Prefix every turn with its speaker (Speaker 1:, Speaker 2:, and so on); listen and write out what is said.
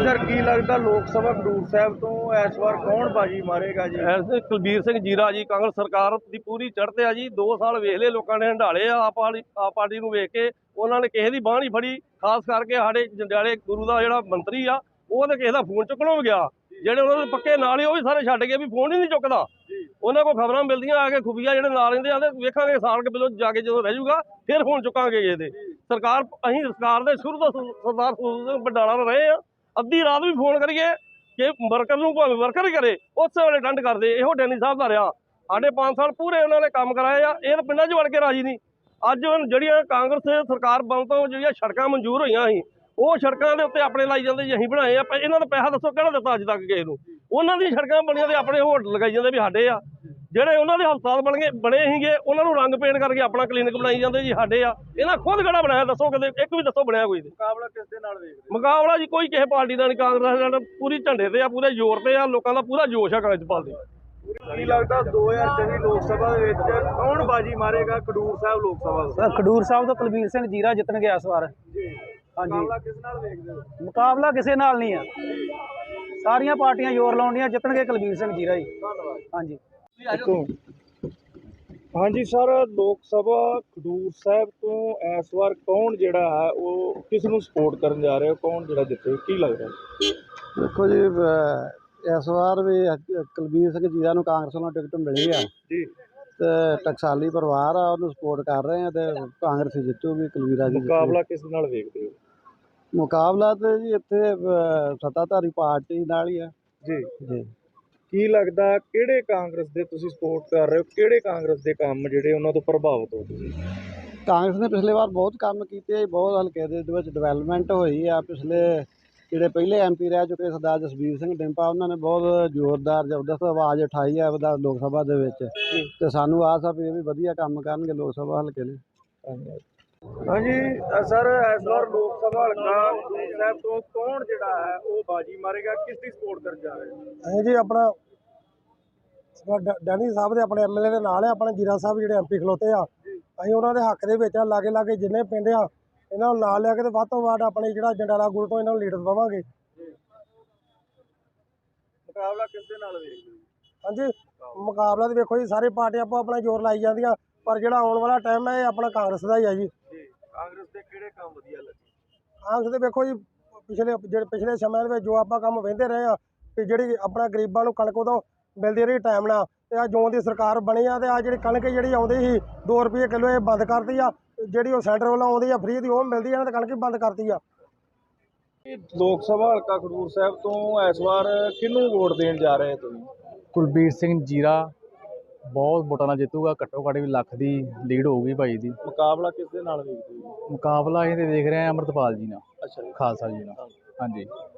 Speaker 1: Sir की लगता लोक सभा खडूर साहब तो इस बार कौन बाजी मारेगा जी?
Speaker 2: ਐਸੇ ਕੁਲਬੀਰ ਸਿੰਘ ਜੀਰਾ ਜੀ ਕਾਂਗਰਸ ਸਰਕਾਰ ਦੀ ਪੂਰੀ ਚੜ੍ਹਤੇ ਆ ਜੀ। 2 ਸਾਲ ਵੇਖ ਲਏ ਲੋਕਾਂ ਨੇ ਹੰਡਾਲੇ ਆ ਆਪ ਪਾਰਟੀ ਨੂੰ ਵੇਖ ਕੇ। ਉਹਨਾਂ ਨੇ ਕਿਸੇ ਦੀ ਬਾਂਹ ਨਹੀਂ ਫੜੀ, ਖਾਸ ਕਰਕੇ ਸਾਡੇ ਜੰਡਿਆਲੇ ਗੁਰੂ ਦਾ ਜਿਹੜਾ ਮੰਤਰੀ ਆ ਉਹ ਤਾਂ ਕਿਸੇ ਦਾ ਫੋਨ ਚੁੱਕਣੋਂ ਵੀ ਗਿਆ। ਜਿਹੜੇ ਉਹਨਾਂ ਦੇ ਪੱਕੇ ਨਾਲ ਹੀ ਉਹ ਵੀ ਸਾਰੇ ਛੱਡ ਗਏ ਵੀ ਫੋਨ ਹੀ ਨਹੀਂ ਚੁੱਕਦਾ। ਉਹਨਾਂ ਕੋਲ ਖਬਰਾਂ ਮਿਲਦੀਆਂ ਆ ਕੇ ਖੁਫੀਆ ਜਿਹੜੇ ਨਾਲ ਰਹਿੰਦੇ ਆ ਤੇ ਵੇਖਾਂਗੇ ਸਾਲ ਕੇ ਪਹਿਲੋਂ ਜਾ ਕੇ ਜਦੋਂ ਰਹਿ ਜਾਊਗਾ ਫਿਰ ਫੋਨ ਚੁੱਕਾਂਗੇ ਇਹਦੇ। ਸਰਕਾਰ ਅਸੀਂ ਸਰਕਾਰ ਦੇ ਸ਼ੁਰੂ ਤੋਂ ਸਰਦਾਰ ਬਡਾਲਾ ਰਹੇ ਆ। ਅੱਧੀ ਰਾਤ ਵੀ ਫੋਨ ਕਰੀਏ ਕਿ ਵਰਕਰ ਨੂੰ ਭਾਵੇਂ ਵਰਕਰ ਹੀ ਕਰੇ ਉਸੇ ਵੇਲੇ ਅਟੈਂਡ ਕਰਦੇ। ਇਹੋ ਡੈਨੀ ਸਾਹਿਬ ਦਾ ਰਿਹਾ ਸਾਡੇ 5 ਸਾਲ ਪੂਰੇ ਉਹਨਾਂ ਨੇ ਕੰਮ ਕਰਾਏ ਆ। ਇਹ ਤਾਂ ਪਿੰਡਾਂ 'ਚ ਵੜ ਕੇ ਰਾਜੀ ਨਹੀਂ। ਅੱਜ ਹੁਣ ਜਿਹੜੀਆਂ ਕਾਂਗਰਸ ਸਰਕਾਰ ਬਣਨ ਤੋਂ ਜਿਹੜੀਆਂ ਸੜਕਾਂ ਮਨਜ਼ੂਰ ਹੋਈਆਂ ਸੀ ਉਹ ਸੜਕਾਂ ਦੇ ਉੱਤੇ ਆਪਣੇ ਲਾਈ ਜਾਂਦੇ ਜੀ ਅਸੀਂ ਬਣਾਏ ਆ। ਇਹਨਾਂ ਦਾ ਪੈਸਾ ਦੱਸੋ ਕਿਹੜਾ ਦਿੱਤਾ ਅੱਜ ਤੱਕ ਕਿਸੇ ਨੂੰ? ਉਹਨਾਂ ਦੀਆਂ ਸੜਕਾਂ ਬਣੀਆਂ ਤੇ ਆਪਣੇ ਹੋਟਲ ਲਗਾਈ ਜਾਂਦੇ ਵੀ ਸਾਡੇ ਆ। ਜਿਹੜੇ ਉਹਨਾਂ ਦੇ ਹਸਪਤਾਲ ਬਣੇ ਸੀਗੇ ਉਹਨਾਂ ਨੂੰ ਰੰਗ ਪੇਂਟ ਕਰਕੇ ਆਪਣਾ ਕਲੀਨਿਕ ਬਣਾਈ ਜਾਂਦੇ ਜੀ ਸਾਡੇ ਆ। ਇਹਨਾਂ ਖੁਦ ਕਿਹੜਾ ਬਣਾਇਆ ਦੱਸੋ? ਕਦੇ ਇੱਕ ਵੀ ਦੱਸੋ ਬਣਿਆ ਕੋਈ?
Speaker 1: ਮੁਕਾਬਲਾ ਕਿਸ ਦੇ ਨਾਲ ਵੇਖਦੇ?
Speaker 2: ਮੁਕਾਬਲਾ ਜੀ ਕੋਈ ਕਿਸੇ ਪਾਰਟੀ ਦਾ ਨਹੀਂ। ਕਾਂਗਰਸ ਦਾ ਪੂਰੀ ਝੰਡੇ ਤੇ ਆ, ਪੂਰੇ ਜ਼ੋਰ ਤੇ ਆ। ਲੋਕਾਂ ਦਾ ਪੂਰਾ ਜੋਸ਼ ਆ ਕਾਂਗਰਸ ਪਾਰਟੀ।
Speaker 1: ਕੀ ਲੱਗਦਾ 2024 ਲੋਕ ਸਭਾ ਦੇ ਵਿੱਚ ਕੌਣ ਬਾਜੀ ਮਾਰੇਗਾ ਖਡੂਰ ਸਾਹਿਬ ਲੋਕ ਸਭਾ ਦਾ?
Speaker 3: ਸਰ ਖਡੂਰ ਸਾਹਿਬ ਤੋਂ ਕੁਲਬੀਰ ਸਿੰਘ ਜੀਰਾ ਜਿੱਤਣਗੇ ਇਸ ਵਾਰ।
Speaker 1: ਜੀ
Speaker 3: ਹਾਂਜੀ,
Speaker 1: ਮੁਕਾਬਲਾ ਕਿਸ ਨਾਲ ਵੇਖਦੇ ਹੋ?
Speaker 3: ਮੁਕਾਬਲਾ ਕਿਸੇ ਨਾਲ ਨਹੀਂ ਆ। ਸਾਰੀਆਂ ਪਾਰਟੀਆਂ ਜ਼ੋਰ ਲਾਉਂਦੀਆਂ, ਜਿੱਤਣਗੇ ਕੁਲਬੀਰ ਸਿੰਘ ਜੀਰਾ ਜੀ।
Speaker 1: ਧੰਨਵਾਦ।
Speaker 3: ਹਾਂਜੀ
Speaker 1: ਹਾਂਜੀ ਸਰ, ਲੋਕ ਸਭਾ ਖਡੂਰ ਸਾਹਿਬ ਤੋਂ ਇਸ ਵਾਰ ਕੌਣ ਜਿਹੜਾ ਹੈ ਉਹ ਕਿਸ ਨੂੰ ਸਪੋਰਟ ਕਰਨ ਜਾ ਰਿਹਾ? ਕੌਣ ਜਿਹੜਾ ਜਿੱਤੇ ਕੀ ਲੱਗਦਾ?
Speaker 4: ਦੇਖੋ ਜੀ, ਇਸ ਵਾਰ ਵੀ ਕੁਲਬੀਰ ਸਿੰਘ ਜੀਰਾ ਨੂੰ ਕਾਂਗਰਸ ਵੱਲੋਂ ਟਿਕਟ ਮਿਲੀ ਆ
Speaker 1: ਜੀ
Speaker 4: ਤੇ ਟਕਸਾਲੀ ਪਰਿਵਾਰ ਆ, ਉਹਨੂੰ ਸਪੋਰਟ ਕਰ ਰਹੇ ਆ ਤੇ ਕਾਂਗਰਸ ਹੀ ਜਿੱਤੂਗੀ, ਕੁਲਬੀਰਾ ਜੀ
Speaker 1: ਮੁਕਾਬਲਾ ਕਿਸ ਨਾਲ ਵੇਖਦੇ ਹੋ?
Speaker 4: ਮੁਕਾਬਲਾ ਤੇ ਜੀ ਇੱਥੇ ਸੱਤਾਧਾਰੀ ਪਾਰਟੀ ਨਾਲ ਹੀ ਆ
Speaker 1: ਜੀ
Speaker 4: ਜੀ।
Speaker 1: ਕੀ ਲੱਗਦਾ ਕਿਹੜੇ ਕਾਂਗਰਸ ਦੇ ਤੁਸੀਂ ਸਪੋਰਟ ਕਰ ਰਹੇ ਹੋ? ਕਿਹੜੇ ਕਾਂਗਰਸ ਦੇ ਕੰਮ ਜਿਹੜੇ ਉਹਨਾਂ ਤੋਂ ਪ੍ਰਭਾਵਿਤ ਹੋ ਤੁਸੀਂ?
Speaker 4: ਕਾਂਗਰਸ ਨੇ ਪਿਛਲੇ ਵਾਰ ਬਹੁਤ ਕੰਮ ਕੀਤੇ, ਬਹੁਤ ਹਲਕੇ ਦੇ ਵਿੱਚ ਡਿਵੈਲਪਮੈਂਟ ਹੋਈ ਆ। ਪਿਛਲੇ ਜਿਹੜੇ ਪਹਿਲੇ ਐਮਪੀ ਰਹਿ ਚੁੱਕੇ ਸਰਦਾਰ ਜਸਬੀਰ ਸਿੰਘ ਡਿੰਪਾ, ਉਹਨਾਂ ਨੇ ਬਹੁਤ ਜ਼ੋਰਦਾਰ ਜ਼ਬਰਦਸਤ ਆਵਾਜ਼ ਉਠਾਈ ਹੈ ਲੋਕ ਸਭਾ ਦੇ ਵਿੱਚ ਤੇ ਸਾਨੂੰ ਆਸ ਆ ਵੀ ਇਹ ਵੀ ਵਧੀਆ ਕੰਮ ਕਰਨਗੇ ਲੋਕ ਸਭਾ ਹਲਕੇ ਲਈ।
Speaker 1: ਹਾਂਜੀ ਸਰ, ਇਸ ਵਾਰ ਲੋਕ ਸਭਾ ਹਲਕਾ ਖਡੂਰ ਸਾਹਿਬ ਤੋਂ ਕੌਣ ਜਿਹੜਾ ਹੈ ਉਹ ਬਾਜੀ ਮਾਰੇਗਾ? ਕਿਸ ਦੀ ਸਪੋਰਟ ਕਰਨ ਜਾ ਰਹੇ ਹੋ?
Speaker 3: ਅਸੀਂ ਜੀ ਆਪਣਾ ਡੈਨੀ ਸਾਹਿਬ ਦੇ ਆਪਣੇ ਐਮਐਲਏ ਦੇ ਨਾਲ ਆ। ਆਪਣੇ ਜੀਰਾ ਸਾਹਿਬ ਜਿਹੜੇ ਐਮਪੀ ਖਲੋਤੇ ਆ, ਅਸੀਂ ਉਹਨਾਂ ਦੇ ਹੱਕ ਦੇ ਵਿੱਚ ਆ। ਲਾਗੇ ਜਿੰਨੇ ਪਿੰਡ ਆ ਇਹਨਾਂ ਨੂੰ ਨਾਲ ਲਿਆ ਕੇ ਤੇ ਵੱਧ ਤੋਂ ਵੱਧ ਆਪਣੇ ਜਿਹੜਾ ਜੰਡਾਲਾ ਗੁਰੂ ਤੋਂ ਇਹਨਾਂ ਨੂੰ ਲੀਡਰ ਦੇਵਾਂਗੇ।
Speaker 1: ਮੁਕਾਬਲਾ ਕਿਸ ਦੇ ਨਾਲ ਵੇਖਦੇ ਹੋ?
Speaker 3: ਹਾਂਜੀ, ਮੁਕਾਬਲਾ ਤੇ ਵੇਖੋ ਜੀ, ਸਾਰੇ ਪਾਰਟੀਆਂ ਆਪਣਾ ਜ਼ੋਰ ਲਾਈ ਜਾਂਦੀਆਂ, ਪਰ ਜਿਹੜਾ ਆਉਣ ਵਾਲਾ ਟਾਈਮ ਹੈ ਇਹ ਆਪਣਾ ਕਾਂਗਰਸ ਦਾ ਹੀ ਆ ਜੀ।
Speaker 1: ਕਾਂਗਰਸ ਦੇ ਕਿਹੜੇ ਕੰਮ ਵਧੀਆ ਲੱਗੇ?
Speaker 3: ਕਾਂਗਰਸ ਦੇ ਵੇਖੋ ਜੀ, ਪਿਛਲੇ ਸਮੇਂ ਦੇ ਵਿੱਚ ਜੋ ਆਪਾਂ ਕੰਮ ਵਹਿੰਦੇ ਰਹੇ ਆ ਕਿ ਜਿਹੜੀ ਆਪਣਾ ਗਰੀਬਾਂ ਨੂੰ ਕਣਕ ਉਦੋਂ ਮਿਲਦੀ ਰਹੀ ਟਾਈਮ ਨਾਲ, ਤੇ ਆ ਜੋ ਦੀ ਸਰਕਾਰ ਬਣੀ ਆ ਤੇ ਆ ਜਿਹੜੀ ਕਣਕ ਜਿਹੜੀ ਆਉਂਦੀ ਸੀ 2 ਰੁਪਏ ਕਿਲੋ, ਇਹ ਬੰਦ ਕਰਤੀ ਆ। ਜਿਹੜੀ ਉਹ ਸੈਂਟਰ ਵੱਲੋਂ ਆਉਂਦੀ ਆ ਫ੍ਰੀ ਦੀ, ਉਹ ਮਿਲਦੀ ਆ ਤੇ ਕਣਕ ਵੀ ਬੰਦ ਕਰਤੀ ਆ।
Speaker 1: ਲੋਕ ਸਭਾ ਹਲਕਾ ਖਡੂਰ ਸਾਹਿਬ ਤੋਂ ਇਸ ਵਾਰ ਕਿਹਨੂੰ ਵੋਟ ਦੇਣ ਜਾ ਰਹੇ ਤੁਸੀਂ?
Speaker 5: ਕੁਲਬੀਰ ਸਿੰਘ ਜੀਰਾ ਬਹੁਤ ਵੋਟਾਂ ਨਾਲ ਜਿੱਤੂਗਾ, ਘੱਟੋ ਘੱਟ ਵੀ ਲੱਖ ਦੀ ਲੀਡ ਹੋਊਗੀ ਭਾਈ ਦੀ।
Speaker 1: ਮੁਕਾਬਲਾ ਕਿਸ ਦੇ ਨਾਲ ਵੇਖਦੇ ਹੋ?
Speaker 5: ਮੁਕਾਬਲਾ ਇਹ ਤੇ ਦੇਖ ਰਹੇ ਹਾਂ ਅੰਮ੍ਰਿਤਪਾਲ ਜੀ ਨਾਲ,
Speaker 1: ਅੱਛਾ,
Speaker 5: ਖਾਲਸਾ ਜੀ ਨਾਲ। ਹਾਂਜੀ।